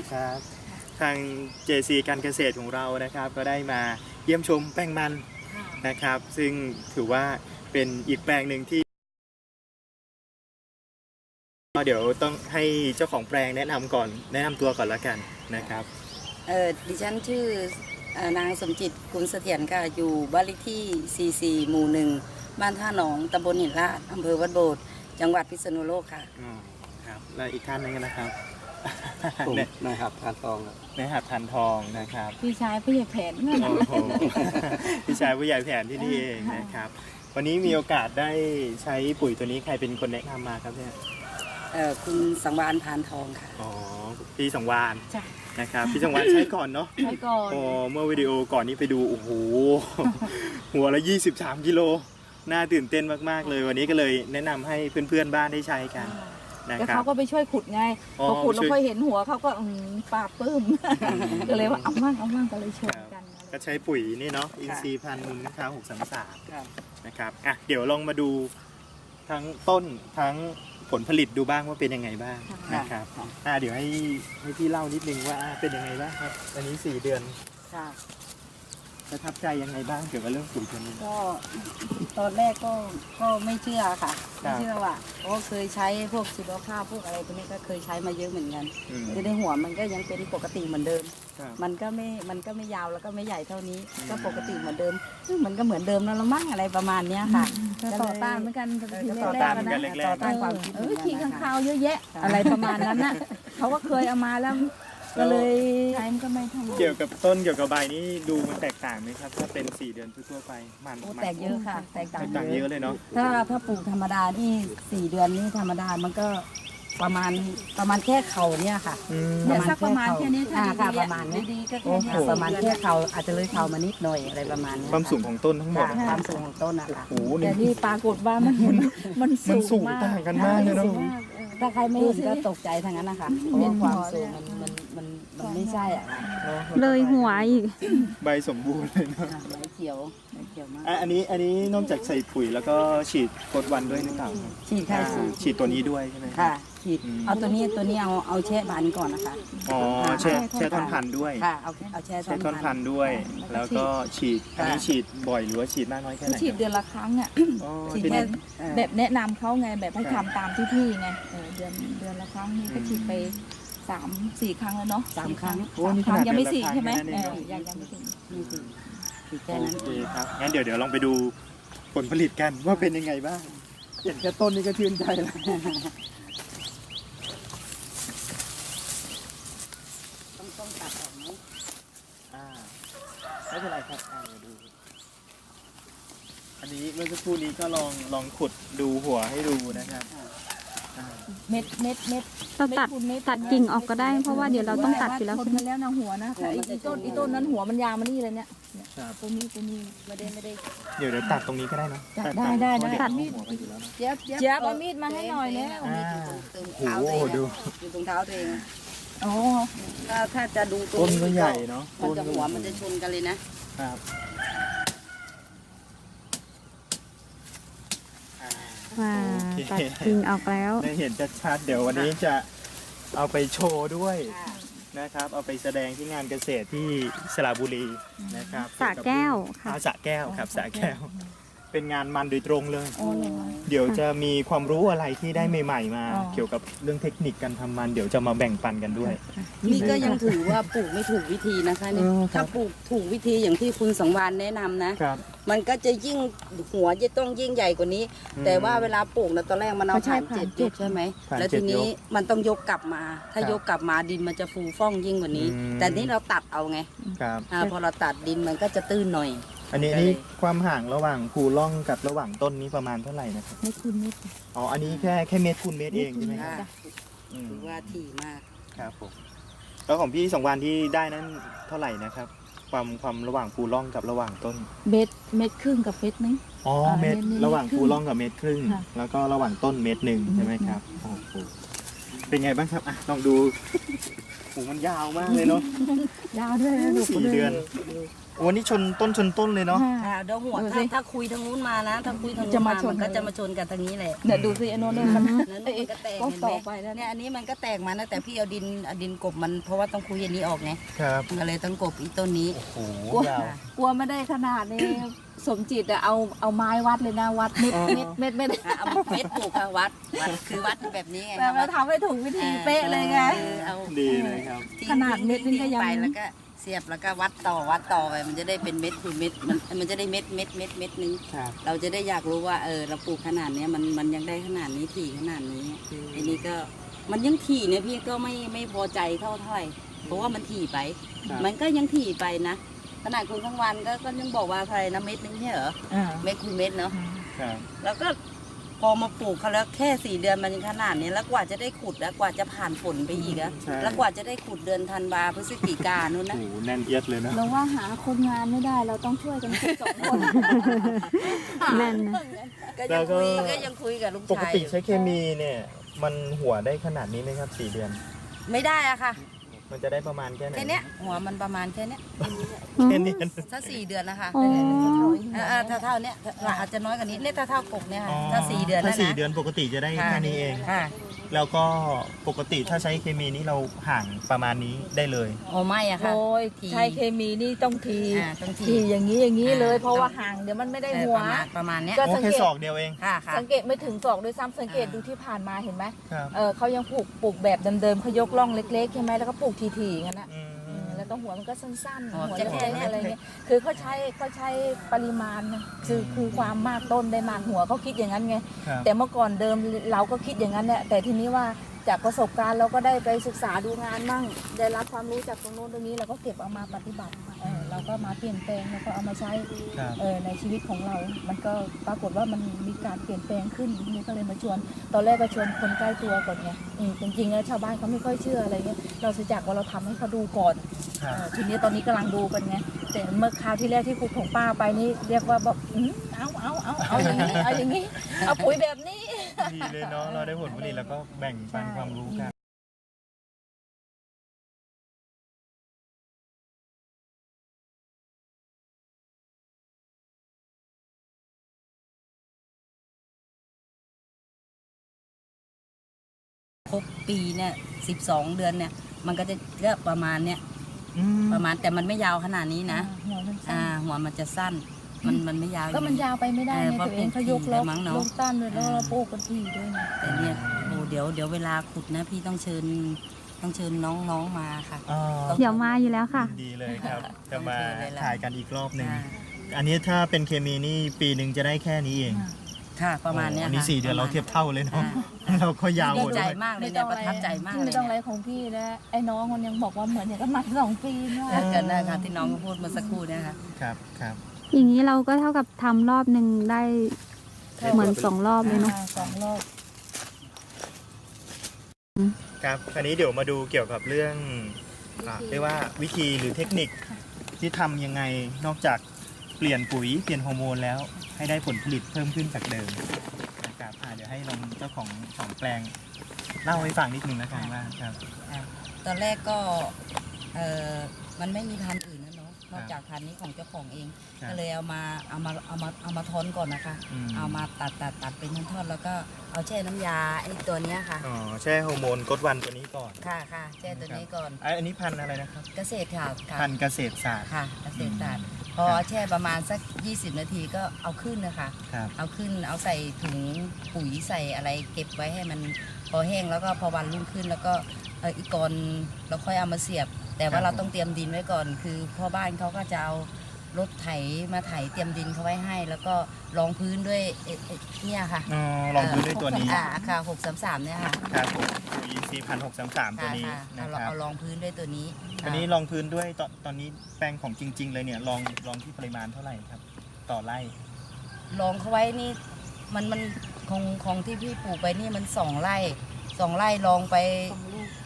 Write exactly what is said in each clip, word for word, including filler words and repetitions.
ดีครับทาง เจ ซี การเกษตรของเรานะครับก็ได้มาเยี่ยมชมแปลงมันนะครับซึ่งถือว่าเป็นอีกแปลงหนึ่งที่เดี๋ยวต้องให้เจ้าของแปลงแนะนำก่อนแนะนำตัวก่อนละกันนะครับเออดิฉันชื่อนางสมจิตกุลเสถียรค่ะอยู่บ้านเลขที่ สี่สิบสี่ หมู่หนึ่งบ้านท่าหนองตำบลหินลาดอำเภอวัดโบสถ์จังหวัดพิษณุโลกค่ะอ๋อครับและอีกท่านนึงนะครับผมนายหัดทานทองครับนายหัดทานทองนะครับพี่ชายผู้ใหญ่แผนนั่นแหละพี่ชายผู้ใหญ่แผนที่นี่เองนะครับวันนี้มีโอกาสได้ใช้ปุ๋ยตัวนี้ใครเป็นคนแนะนำมาครับเนี่ยเออคุณสังวานพานทองค่ะอ๋อพี่สังวานนะครับพี่สังวานใช้ก่อนเนาะใช้ก่อนโอ้เมื่อวิดีโอก่อนนี้ไปดูโอ้โหหัวละยี่สิบสามกิโลน่าตื่นเต้นมากๆเลยวันนี้ก็เลยแนะนำให้เพื่อนๆบ้านได้ใช้กันแล้วเขาก็ไปช่วยขุดไงพอขุดแล้วค่อยเห็นหัวเขาก็ปราบปลื้มก็เลยว่าเอามั่งเอามั่งก็เลยชวนกันก็ใช้ปุ๋ยนี่เนาะอินทรีย์พันธุ์มูลค่าหกสามสามนะครับอ่ะเดี๋ยวลองมาดูทั้งต้นทั้งผลผลิตดูบ้างว่าเป็นยังไงบ้างนะครับอ่ะเดี๋ยวให้ให้พี่เล่านิดนึงว่าเป็นยังไงบ้างครับอันนี้สี่เดือนประทับใจยังไงบ้างเกี่ยวกับเรื่องปุ๋ยตัวนี้ก็ตอนแรกก็ก็ไม่เชื่อค่ะไม่เชื่อว่าเพราะเคยใช้พวกชีวภาพพวกอะไรพวกนี้ก็เคยใช้มาเยอะเหมือนกันคือในหัวมันก็ยังเป็นปกติเหมือนเดิมมันก็ไม่มันก็ไม่ยาวแล้วก็ไม่ใหญ่เท่านี้ก็ปกติเหมือนเดิมมันก็เหมือนเดิมนั่นละมั้งอะไรประมาณนี้ค่ะต่อต้านเหมือนกันทีแรกๆนะต่อต้านความคิดเออขี้ข้างคาวเยอะแยะอะไรประมาณนั้นน่ะเขาก็เคยเอามาแล้วก็เลยใช้มันก็ไม่ทำเกี่ยวกับต้นเกี่ยวกับใบนี่ดูมันแตกต่างไหมครับถ้าเป็นสี่เดือนทั่วไปมันแตกเยอะค่ะแตกต่างเยอะเลยเนาะถ้าถ้าปลูกธรรมดานี่สี่เดือนนี่ธรรมดามันก็ประมาณประมาณแค่เข่าเนี่ยค่ะสักประมาณแค่นี้ค่ะประมาณนี้ก็แค่นี้ประมาณแค่เข่าอาจจะเลยเข่ามานิดหน่อยอะไรประมาณนี้ความสูงของต้นทั้งหมดความสูงของต้นนะคะแต่นี่ปรากฏว่ามันมันสูงมากต่างกันมากเลยเนาะถ้าใครไม่เห็นก็ตกใจทางนั้นนะคะเพราะว่าความสูงมันมันมันมันไม่ใช่อ่ะเลยหัวอีกใบสมบูรณ์เลยเนาะใบเขียวใบเขียวมากอันนี้อันนี้นอกจากใส่ปุ๋ยแล้วก็ฉีดกดวันด้วยหรือเปล่าฉีดค่ะฉีดตัวนี้ด้วยใช่ไหมค่ะฉีดเอาตัวนี้ตัวนี้เอาเอาแช่พันก่อนนะคะอ๋อแช่แช่ท่อนพันด้วยค่ะเอาเอาแช่ท่อนพันด้วยแล้วก็ฉีดอันนี้ฉีดบ่อยหรือว่าฉีดมากน้อยแค่ไหนฉีดเดือนละครั้งอ่ะฉีดแค่แบบแนะนำเขาไงแบบให้ทำตามที่พี่ไงเดือนเดือนละครั้งนี่ก็ฉีดไปสามสี่ครั้งแล้วเนาะสามครั้งครั้งยังไม่สี่ใช่ไหมยังยังไม่ถึงไม่ถึงฉีดแค่นั้นโอเคครับงั้นเดี๋ยวเดี๋ยวลองไปดูผลผลิตกันว่าเป็นยังไงบ้างเห็นแค่ต้นนี้ก็ชื่นใจแล้วต้องต้องตัดออกไหมอ่าไม่เป็นไรครับอ่าดูอันนี้เมื่อสักครู่นี้ก็ลองลองขุดดูหัวให้ดูนะครับเม็ดเม็ดเม็ดเราตัดตัดกิ่งออกก็ได้เพราะว่าเดี๋ยวเราต้องตัดอยู่แล้วใช่ไหมแล้วนะหัวนะไอ้ต้นไอ้ต้นนั้นหัวมันยาวมานี่เลยเนี่ยตัวนี้ตัวนี้ไม่ได้ไม่ได้เดี๋ยวเดี๋ยวตัดตรงนี้ก็ได้นะได้ได้ได้ตัดมีดเจี๊ยบเจี๊ยบเอามีดมาให้หน่อยแล้วโอ้โหดูอยู่ตรงเท้าตัวเองอ๋อถ้าถ้าจะดูต้นก็ใหญ่เนาะมันจะหัวมันจะชนกันเลยนะครับว้าตัดกิ่งออกแล้วได้เห็นชัดๆเดี๋ยววันนี้จะเอาไปโชว์ด้วยนะครับเอาไปแสดงที่งานเกษตรที่สระบุรีนะครับสระแก้วค่ะสระแก้วครับสระแก้วเป็นงานมันโดยตรงเลยเดี๋ยวจะมีความรู้อะไรที่ได้ใหม่ๆมาเกี่ยวกับเรื่องเทคนิคการทำมันเดี๋ยวจะมาแบ่งปันกันด้วยนี่ก็ยังถือว่าปลูกไม่ถูกวิธีนะคะเนี่ยถ้าปลูกถูกวิธีอย่างที่คุณสังวานแนะนำนะมันก็จะยิ่งหัวจะต้องยิ่งใหญ่กว่านี้แต่ว่าเวลาปลูกนะตอนแรกมันเอาผ่านเจ็ดยกใช่ไหมแล้วทีนี้มันต้องยกกลับมาถ้ายกกลับมาดินมันจะฟูฟ่องยิ่งกว่านี้แต่นี้เราตัดเอาไงพอเราตัดดินมันก็จะตื้นหน่อยอันนี้นี่ความห่างระหว่างภูร่องกับระหว่างต้นนี้ประมาณเท่าไหร่นะครับเมตรคูณเมตรอ๋ออันนี้แค่แค่เมตรคูณเมตรเองใช่ไหมครับถือว่าถี่มากครับผมแล้วของพี่สองวันที่ได้นั้นเท่าไหร่นะครับความความระหว่างภูร่องกับระหว่างต้นเมตรเมตรครึ่งกับเมตรนึงอ๋อเมตรระหว่างภูร่องกับเมตรครึ่งแล้วก็ระหว่างต้นเมตรหนึ่งใช่ไหมครับโอ้โหเป็นไงบ้างครับอ่ะลองดูโอ้มันยาวมากเลยเนาะยาวด้วยสี่เดือนโโอ้นี่ชนต้นชนต้นเลยเนาะอ่าเดี๋ยวหัวดูถ้าสิถ้าคุยทางนู้นมานะ ถ้าคุยทางนู้จะนมามาชนมันก็จะมาชนกันทางนี้แหละเดี๋ยวดูสิไอ้โน้นเนี่ยมันนั่นเอ้ยมันก็แตกก็เห็นต่ไหอมไปแล้วเนี่ยอันนี้มันก็แตกมานะแต่พี่เอาดินเอาดินกบมันเพราะว่าต้องคุยอันนี้ออกไงครับมันก็เลยต้องกบอีต้นนี้โอ้โหกลัวยาวกลัวไม่ได้ขนาดนี้สมจิตอะเอาเอาไม้วัดเลยนะวัดเม็ดอ๋อเม็ดเม็ดเม็ดอ่ะเอาเม็ดปลูกค่ะวัดวัดคือวัดแบบนี้ไงแต่คะเราทำให้ถูกวิธีเป๊ะเลยไงออเอาดีเลยครับทิ้งขนาดเม็ดนึงก็ยังทิ้ไปแล้วก็เสียบแล้วก็วัดต่อวัดต่อไปมันจะได้เป็นเม็ดคือเม็ดมันมันจะได้เม็ดเม็ดเม็ดเม็ดนึงครับเราจะได้อยากรู้ว่าเออเราปลูกขนาดเนี้ยมันมันยังได้ขนาดนี้ถี่ขนาดนี้ไอ้นี่ก็มันยังถี่เนี่ยพี่ก็ไม่ไม่พอใจเท่าเท่าไหร่เพราะว่ามันถี่ไปครับมันก็ยังถี่ไปนะขนาดคุณทั้งวันก็ก็ยังบอกว่าอะไรนะเม็ดนึงเนี่ยเหรออ่าเม็ดคือเม็ดเนาะครับแล้วก็พอมาปลูกเขาแล้วแค่สี่เดือนมันยังขนาดนี้แล้วกว่าจะได้ขุดแล้วกว่าจะผ่านฝนไปอีกอะใช่แล้วกว่าจะได้ขุดเดือนธันวาพฤศจิกานู่นโอ้นะโหแน่นเอียดเลยเนอะเราว่าหาคนงานไม่ได้เราต้องช่วยกันคิดสองคนแน่นนะก็ยังคุยก็ยังคุยกับลูกปกชายติใช้เคมีเนี่ย มันหัวได้ขนาดนี้ไหมครับสี่เดือนไม่ได้อะค่ะมันจะได้ประมาณแค่ไหนแค่เนี้ยหัวมันประมาณแค่เนี้ยแค่นี้ถ้าสี่เดือนนะคะอ๋อเออเออถ้าเท่าเนี้ยอาจจะน้อยกว่านี้เนี่ยถ้าเท่ากบเนี่ยค่ะอ๋อถ้าสี่เดือนถ้านะสี่นะเดือนปกติจะได้ค่ะแค่นี้เองค่ะแล้วก็ปกติถ้าใช้เคมีนี้เราห่างประมาณนี้ได้เลยโอ้ไม่อะค่ะโอ้ยทีใช้เคมีนี่ต้องทีอ่าต้องทีทีอย่างนี้อย่างนี้เลยอ่าเพราะว่าห่างเดี๋ยวมันไม่ได้เออหัวประมาณประมาณเนี้ยก็โอ้สังแค่เกตศอกเดียวเองค่ะค่ะสังเกตไม่ถึงศอกด้วยซ้ำสังเกตอ่าดูที่ผ่านมาเห็นไหมครับเออเขายังปลูกปลูกแบบเดิมๆเขายกร่องเล็กๆใช่ไหมแล้วก็ปลูกทีๆงั้นนะอืมเออแล้วก็หัวมันก็สั้นๆอ๋อหัวจะเล็แค่กเนี้ๆยอะไรเงี้ยคือเขาใช้เขาใช้ปริมาณนะคือคือความมากต้นได้มากหัวเขาคิดอย่างนั้นไงครับแต่เมื่อก่อนเดิมเราก็คิดอย่างนั้นแหละแต่ทีนี้ว่าจากประสบการณ์เราก็ได้ไปศึกษาดูงานมั่งได้รับความรู้จากตรงโน้นตรงนี้เราก็เก็บเอามาปฏิบัติเออเราก็มาเปลี่ยนแปลงแล้วก็เอามาใช้ครับเออในชีวิตของเรา มันก็ปรากฏว่ามันมีการเปลี่ยนแปลงขึ้นทีนี้ก็เลยมาชวน ตอนแรกก็ชวนคนใกล้ตัวก่อนไงอืมจริงๆแล้วชาวบ้านเขาไม่ค่อยเชื่ออะไรเงี้ยเราเสียจากว่าเราทำให้เขาดูก่อนครัเอบ อทีนี้ตอนนี้กำลังดูกันไงแต่เมื่อคราวที่แรกที่ขุดของป้าไปนี่เรียกว่าแบบอืมเอาเอาเอาเอาอย่างนี้เอาอย่างนี้เอาปุ๋ยแบบนี้ดีเลยเนาะเราได้ผลผลิตแล้วก็แบ่งปันความรู้กันครบปีเนี่ยสิบสองเดือนเนี่ย มันก็จะก็ประมาณเนี้ยอืมประมาณแต่มันไม่ยาวขนาดนี้นะหัวมันสั้อ่าน หัวมันจะสั้น มันมันไม่ยาวก็มันยาวไปไม่ได้เออไงเพราะตัวเองเขายกเป็นล็อกมั้งเนอะลกต้านเลยแล้วเราปลูกกันทีด้วยไงแต่เนี่ยโอ้เดี๋ยวเดี๋ยวเวลาขุดนะพี่ต้องเชิญต้องเชิญน้องๆมาค่ะอ๋อเดี๋ยวมาอยู่แล้วค่ะยินดีเลยครับ จะมาโอเคเลยล่ะถ่ายกันอีกรอบหนึ่งอ่าอันนี้ถ้าเป็นเคมีนี่ปีหนึ่งจะได้แค่นี้เองค่ะประมาณเนี้ยโอ้อันนี้ค่ะสี่เดือนเราเทียบเท่าเลยเนาะอ่าเราก็ยาวดีหมดใจด้วยมากเลยเนี่ยประทับใจมากเลยไม่ต้องอะไรเนี่ยของพี่แล้วไอ้น้องมันยังบอกว่าเหมือนอย่างกับมันสองปีเนาะกันนะคะที่น้องพูดเมื่อสักครู่เนี่ยค่ะครับครับอย่างนี้เราก็เท่ากับทำรอบหนึ่งได้เหมือนสองรอบเลยเนาะสองรอบครับคราวนี้เดี๋ยวมาดูเกี่ยวกับเรื่องอ่าเรียกว่าวิธีหรือเทคนิคที่ทำยังไงนอกจากเปลี่ยนปุ๋ยเปลี่ยนฮอร์โมนแล้วให้ได้ผลผลิตเพิ่มขึ้นจากเดิมนะครับอ่าเดี๋ยวให้ลองเจ้าของของแปลงเล่าให้ฟังนิดนึงนะครับว่าครับตอนแรกก็เออมันไม่มีพันธุ์อื่นนะเนาะนอกจากพันธุ์นี้ของเจ้าของเองครับก็เลยเอามาเอามาเอามาเอามาทอนก่อนนะคะอืมเอามาตัดตัดตัดเป็นท่อนๆแล้วก็เอาแช่น้ำยาไอ้ตัวเนี้ยค่ะอ๋อแช่ฮอร์โมนกดวันตัวนี้ก่อนค่ะค่ะแช่ตัวนี้ก่อนอ่ะอันนี้พันธุ์อะไรนะครับเกษตรค่ะค่ะพันธุ์เกษตรศาสตร์ค่ะเกษตรศาสตร์พอแช่ประมาณสักยี่สิบนาทีก็เอาขึ้นนะคะครับเอาขึ้นเอาใส่ถุงปุ๋ยใส่อะไรเก็บไว้ให้มันพอแห้งแล้วก็พอวันรุ่งขึ้นแล้วก็เอออีกก่อนเราค่อยเอามาเสียบ แต่ว่าเราต้องเตรียมดินไว้ก่อน คือพ่อบ้านเขาก็จะเอารถไถมาไถเตรียมดินเขาไว้ให้ แล้วก็รองพื้นด้วยเอ่อเอ่อเนี่ยค่ะอ๋อลองดูด้วยตัวนี้อ่าค่ะหกสามสามเนี่ยค่ะครับผมปุ๋ยอินทรีย์พันหกสามสามตัวค่ะนี้ค่ะนะเอาครับเอารองพื้นด้วยตัวนี้อันนี้ลองพื้นด้วยตอนตอนนี้แปลงของจริง ๆ เลยเนี่ยลองลองที่ปริมาณเท่าไหร่ครับ ต่อไร่รองเขาไว้นี่มันมันของของที่พี่ปลูกไปนี่มันสองไร่สองไร่ลองไป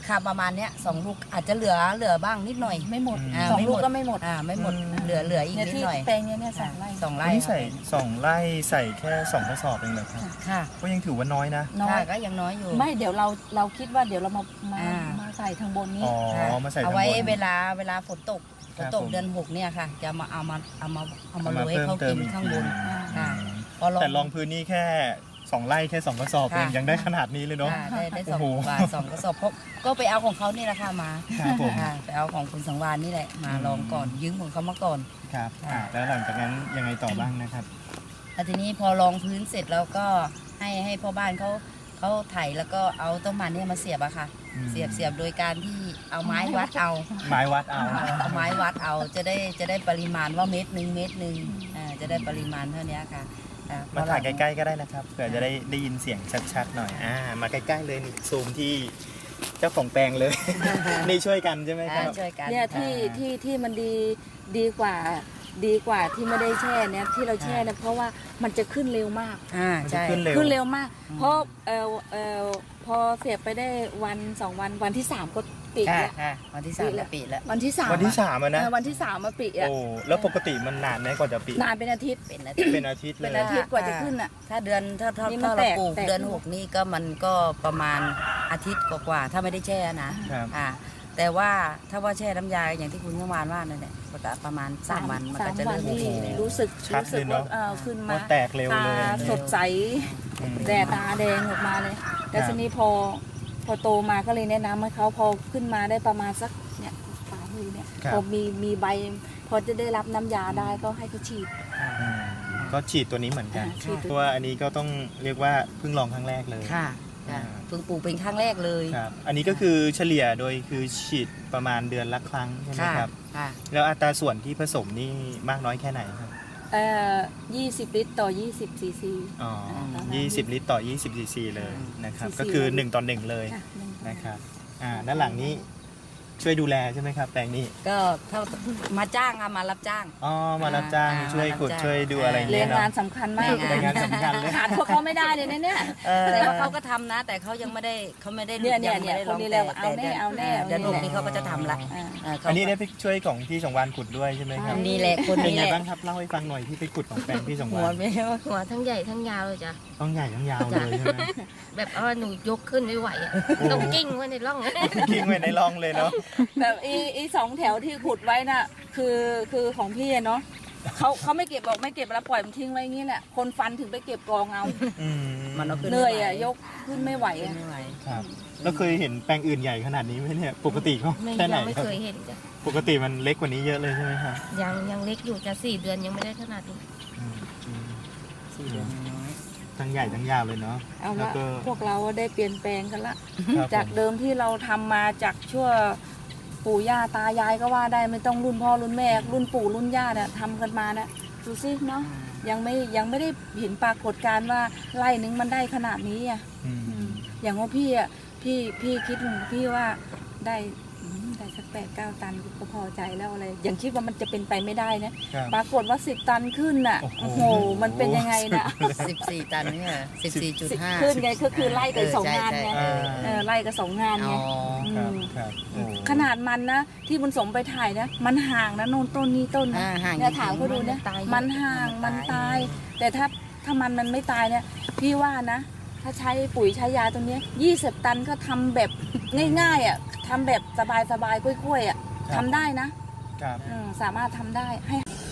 ค่ะประมาณเนี้ยสองลูกอาจจะเหลือเหลือบ้างนิดหน่อยไม่หมดอ่าสองไม่หมลูดกก็ไม่หมดอ่าไม่หมดอืมเหลือเหลืออีกเนี่ยนิดที่หน่อยแปลงเนี้ยเนี่ยสองไร่สองไร่อันนี้ใส่ค่ะสองไร่ใส่แค่สองกระสอบเองเหรอครับค่ะก็ยังถือว่าน้อยนะน้อค่ะยก็ยังน้อยอยู่ไม่เดี๋ยวเราเราคิดว่าเดี๋ยวเรามามาอ่ามาใส่ทางบนนี้อ๋อค่ะมาใส่เอาทางบไว้นเวลาเวลาฝนตกฝครันบตกผมเดือนหกเนี่ยค่ะ จะมาเอามาเอามาเอามาเอาโรมายให้เพิ่มเขาเติกิมนอีกข้างทีบนอืมค่ะ พอลองแต่ลองพื้นนี่แค่สองไร่แค่สองกระสอบเองค่ะยังได้ขนาดนี้เลยเนาะค่ะได้ได้สองโอ้โหบาทสองกระสอบเพราะก็ไปเอาของเขานี่แหละค่ะมาครับผมค่ะไปเอาของคุณสังวานนี่แหละมาอืมลองก่อนยืมของเขามาก่อนครับอ่าแล้วหลังจากนั้นยังไงต่อบ้างนะครับแล้วทีนี้พอลองพื้นเสร็จแล้วก็ให้ให้พ่อบ้านเขาเขาไถแล้วก็เอาต้นมันเนี่ยมาเสียบอะค่ะอืมเสียบเสียบโดยการที่เอาไม้วัดเอาไม้วัดเอาเอาไม้วัดเอาจะได้จะได้ปริมาณว่าเม็ดหนึ่งเม็ดหนึ่งอ่าจะได้ปริมาณเท่านี้ค่ะอ่มาถ่ายใกล้ๆก็ได้นะครับเผื่อจะได้ได้ยินเสียงชัดๆหน่อยอ่ามาใกล้ๆเลยนี่ซูมที่เจ้าของแปลงเลย นี่ช่วยกันใช่ไหมคอ่ารับช่วยกันเนี่ยที่อ่าที่ที่มันดีดีกว่าดีกว่าที่ไม่ได้แช่เนี่ยที่เราแช่เนี่ยเพราะว่ามันจะขึ้นเร็วมากอ่ามันจะใช่ขึ้นเร็วขึ้นเร็วมากอืมเพราะเออเออพอเสียบไปได้วันสองวันวันที่สามก็ปิดค่ะแล้วค่ะวันที่สามแล้วปิดแล้ววันที่สามวันที่อะสามอะนะเออวันที่สามมาปิดอ่ะโอ้แล้วปกติมันนานไหมกว่าจะปิดนานเป็นอาทิตย์เป็นอาทิตย์เป็นอาทิตย์เลเป็นยอาทิตย์กว่าจะขึ้นอ่ะถ้าเดือนถ้าถ้านี่มันถ้าเราแตกปลูกแตกเดือนหกนี่ก็มันก็ประมาณอาทิตย์กว่าๆถ้าไม่ได้แช่นะครับ อ่าแต่ว่าถ้าว่าแช่น้ำยาอย่างที่คุณเมื่อวานว่านั่นแหละก็จะประมาณสามวันมันก็จะสามเริ่มวันโอเคนี่แล้วรู้สึกชัดรู้สึกเลยเนว่าอะเออขึ้นพอมาแตกเร็วตาเลยสดใสอืมแต่ตาแดงออกมาเลย แต่ครับทีนี้พอพอโตมาก็เลยแนะนำให้เขาพอขึ้นมาได้ประมาณสักเนี่ยปลายมือเนี่ยครับพอมีมีใบ พอจะได้รับน้ำยาได้ก็ให้เขาฉีดอืมก็ฉีดตัวนี้เหมือนกันอ่าฉีดเพราะว่าอันนี้ก็ต้องเรียกว่าเพิ่งลองครั้งแรกเลยค่ะค่ะอ่าเพิ่งปลูกเป็นครั้งแรกเลยครับอันนี้ก็คือเฉลี่ยโดยคือฉีดประมาณเดือนละครั้งใช่ไหมค่ะครับค่ะแล้วอัตราส่วนที่ผสมนี่มากน้อยแค่ไหนครับเอ่อยี่สิบลิตรต่อยี่สิบซีซีอ๋อประมาณยี่สิบลิตรต่อยี่สิบซีซีเลยนะครับซีซีก็คือหนึ่งต่อหนึ่งเลยค่ะหนึ่งนะครับอ่าด้านหลังนี้ช่วยดูแลใช่ไหมครับแปลงนี้ก็เท่ามาจ้างอะมารับจ้างอ๋อมารับจ้างอ่าช่วยขุดมารับจ้างช่วยดูอะไรอย่างแรเงี้ยงเนาะงานสำคัญมากแรงงานสำคัญเลยขาดพวกเขาไม่ได้เลยนะเนี่ยแต่ว่าเขาก็ทำนะ แต่เขายังไม่ได้เขาไม่ได้เนี่ยเนี่ยงไม่ได้เนี่ยลองคนนี้แล้วแต่เอาแน่เอาแน่เดือนหกนี้เขาก็จะทำละอ่าเเขาอันนี้ได้ไปช่วยของพี่สงวานขุดด้วยใช่ไหมครับนี่แหละคนเป็นนี้ไงแหละบ้างครับเล่าให้ฟังหน่อยที่ไปขุดของแปลงพี่สงหัวาว นไม่ว่าหัวทั้งใหญ่ทั้งยาวเลยจ้ะต้องใหญ่ต้องยาวเลยใช่ไหมแบบว่าหนูยกขึ้นไม่ไหวอะต้องกิ้งไว้ในร่องกิ้งไว้ในร่องเลยเนาะแบบอีอีสองแถวที่ขุดไว้น่ะคือคือของพี่อะเนาะเขาเขาไม่เก็บบอกไม่เก็บแล้วปล่อยมันทิ้งไว้อย่างนี้แหละคนฟันถึงไปเก็บกองเอาอืมมันเอาขึ้นเหนื่อยอ่ะยกขึ้นไม่ไหวขึ้นอ่ะไม่ไหวครับแล้วเคยเห็นแปลงอื่นใหญ่ขนาดนี้ไหมเนี่ยปกติเขาไม่แค่ไหนยังไม่ครับเคยเห็นจ้ะปกติมันเล็กกว่านี้เยอะเลยใช่ไหมครับยังยังเล็กอยู่จะสี่เดือนยังไม่ได้ขนาดนี้อืมอืมสี่เดือนน้อยทั้งใหญ่ทั้งยาวเลยเนาะเอาแล้วละก็พวกเราได้เปลี่ยนแปลงกันละครับจากผมเดิมที่เราทำมาจากชั่วปู่ย่าตายายก็ว่าได้ไม่ต้องรุ่นพ่อรุ่นแม่รุ่นปู่รุ่นย่าเนี่ยทำกันมาเนี่ยดูสิเนาะยังไม่ยังไม่ได้เห็นปรากฏการณ์ว่าไร่นึงมันได้ขนาดนี้อ่ะอืมอืมอย่างว่าพี่อ่ะพี่พี่คิดของพี่ว่าได้อืมได้สักแปดเก้าตันก็พอใจแล้วอะไรยังคิดว่ามันจะเป็นไปไม่ได้นะครับ ปรากฏว่าสิบตันขึ้นน่ะโอ้โอ้โหโหมันเป็นยังไงนะสิบสี่ตันนี่เหรอสิบสี่จุดห้าขึ้นไงก็คือไล่กับสองงานไงเออเออไล่กับสองงานอ๋ไงอครับมครับโอ้ขนาดมันนะที่บุญสมไปถ่ายนะมันห่างนะโน่นต้นนี้ต้นนะอ่าห่างเนี่ยถามเขาดูนะตายมันห่างมันตาย แต่ถ้าถ้ามันมันไม่ตายเนี่ยพี่ว่านะ ถ้าใช้ปุ๋ยใช้ยาตรงเนี้ยี่สิบตันก็ทำแบบง่ายๆอ่ะทำแบบสบายๆกล้วยๆอ่ะทำได้นะครับ อืมสามารถทำได้ให้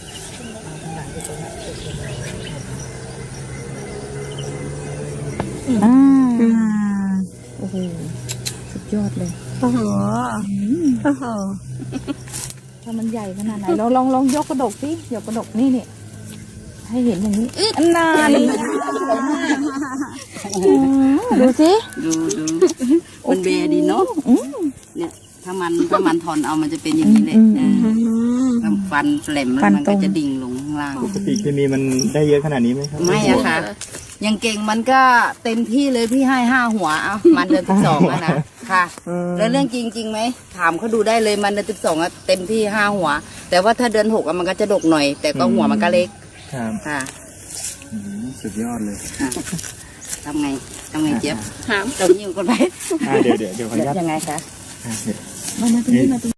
อ่าโอ้โหสุดยอดเลยโอ้โหโอ้โหถ้ามันใหญ่ขนาดไหนเราลองลองยกกระดกสิยกกระดกนี่เนี่ยให้เห็นอย่างนี้อันนาเลยดูสิดูดูมันเบดีเนาะเนี่ยถ้ามันถ้ามันถอนเอามันจะเป็นอย่างนี้เลยเออถ้าฟันแหลมแล้วมันก็จะดิ่งลงข้างล่างปกติเคมีมันได้เยอะขนาดนี้ไหมครับไม่อะค่ะ ยังเก่งมันก็เต็มที่เลยพี่ให้ห้าหัวเอามันเดือนสิบสองอะนะค่ะ แล้วเรื่องจริงจริงไหมถามเขาดูได้เลยมันเดือนสิบสองอะเต็มที่ห้าหัว แต่ว่าถ้าเดือนหกอะมันก็จะดกหน่อย แต่ก็หัวมันก็เล็กครับค่ะอืมสุดยอดเลยอ่ะทำไงทำไงเจี๊ยบถามตรงยิงคนไปอ่าเดี๋ยวเดี๋ยวเดี๋ยวขออนุญาตยังไงคะอ่ะเห็ดมามาตรงนี้มาตรง